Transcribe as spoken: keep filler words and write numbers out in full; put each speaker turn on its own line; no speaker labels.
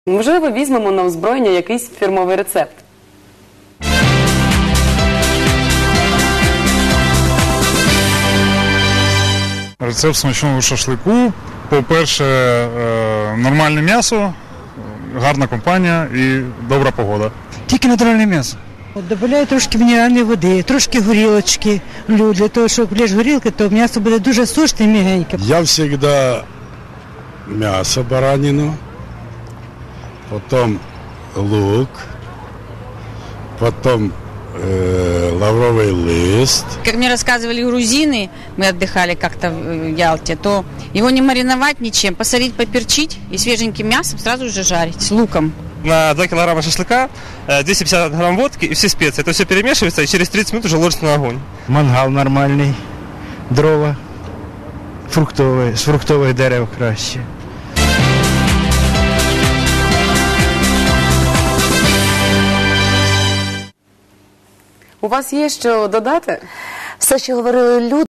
Можливо, візьмемо на озброєння якийсь фірмовий рецепт.
Рецепт смачного шашлику. По-перше, нормальне м'ясо, гарна компанія і добра погода.
Тільки натуральне м'ясо. Добавляю трошки мінеральної води, трошки горілочки. Для того, щоб лиш горілки, то м'ясо буде дуже сочне і м'ягеньке.
Я завжди м'ясо баранину, потім лук, потім э, лавровый лист.
Как мне рассказывали грузины, мы отдыхали как-то в Ялте, то его не мариновать ничем, посолить, поперчить и свеженьким мясом сразу же жарить с луком.
На два килограмма шашлыка двести пятьдесят грамм водки и все специи. Это все перемешивается и через тридцать минут уже ложится на огонь.
Мангал нормальний, дрова, фруктове, з фруктових дерев краще.
У вас є що додати?
Все, що говорили люди.